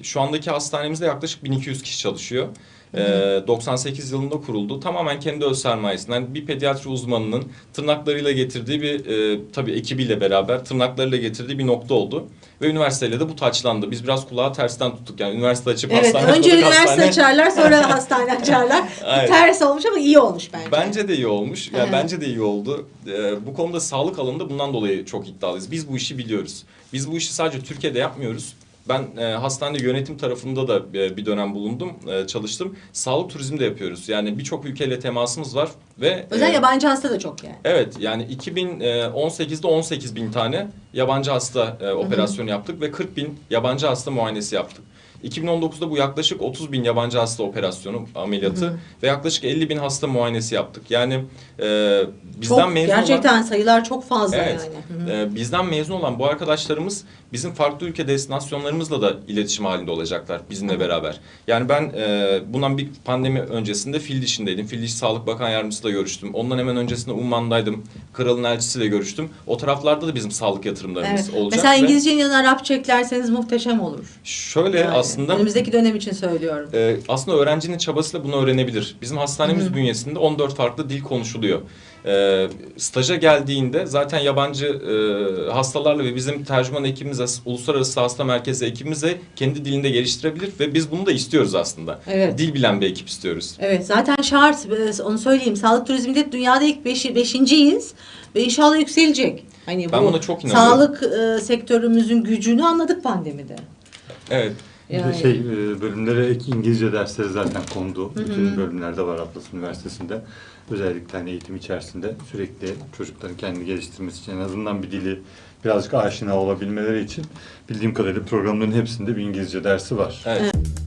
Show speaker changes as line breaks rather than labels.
şu andaki hastanemizde yaklaşık 1200 kişi çalışıyor. 98 yılında kuruldu. Tamamen kendi öz sermayesinden bir pediatri uzmanının tırnaklarıyla getirdiği bir tabii ekibiyle beraber tırnaklarıyla getirdiği bir nokta oldu. Ve üniversiteyle de bu taçlandı. Biz biraz kulağı tersten tuttuk. Yani üniversite açıp hastane
önce
kurduk,
üniversite açarlar, sonra hastane açarlar.
Evet.
Ters olmuş ama iyi olmuş bence.
Bence de iyi olmuş. Yani bence de iyi oldu. Bu konuda sağlık alanında bundan dolayı çok iddialıyız. Biz bu işi biliyoruz. Biz bu işi sadece Türkiye'de yapmıyoruz. Ben hastanede yönetim tarafında da bir dönem bulundum, çalıştım. Sağlık turizmi de yapıyoruz. Yani birçok ülkeyle temasımız var ve
Özel yabancı hasta da çok yani.
evet, yani 2018'de 18 bin tane yabancı hasta operasyonu yaptık ve 40 bin yabancı hasta muayenesi yaptık. 2019'da bu yaklaşık 30 bin yabancı hasta operasyonu, ameliyatı ve yaklaşık 50 bin hasta muayenesi yaptık. Yani bizden
Çok,
mezun
gerçekten
olan...
sayılar çok fazla
Evet.
yani.
Bizden mezun olan bu arkadaşlarımız bizim farklı ülke destinasyonlarımızla da iletişim halinde olacaklar bizimle beraber. Yani ben bundan bir pandemi öncesinde fil dişindeydim. Fil diş Sağlık Bakan Yardımcısıyla görüştüm. Ondan hemen öncesinde Umman'daydım. Kralın elçisiyle görüştüm. O taraflarda da bizim sağlık yatırımlarımız olacak.
Mesela İngilizcenin yanına Arapça eklerseniz muhteşem olur.
Şöyle
Yani,
aslında...
önümüzdeki dönem için söylüyorum.
Aslında öğrencinin çabasıyla bunu öğrenebilir. Bizim hastanemiz bünyesinde 14 farklı dil konuşuluyor. Staja geldiğinde zaten yabancı hastalarla ve bizim tercüman ekibimize, uluslararası hasta merkezi ekibimize kendi dilinde geliştirebilir ve biz bunu da istiyoruz aslında.
Evet.
Dil bilen bir ekip istiyoruz.
Evet, zaten şart, onu söyleyeyim. Sağlık turizminde dünyada ilk beşinciyiz ve inşallah yükselecek. Hani
Ben
bu
buna çok inanıyorum.
sağlık sektörümüzün gücünü anladık pandemide.
Evet.
Bir de bölümlere ek İngilizce dersleri zaten kondu. Bütün bölümlerde var Atlas Üniversitesi'nde. Özellikle hani eğitim içerisinde sürekli çocukların kendini geliştirmesi için en azından bir dili birazcık aşina olabilmeleri için bildiğim kadarıyla programların hepsinde bir İngilizce dersi var.
Evet.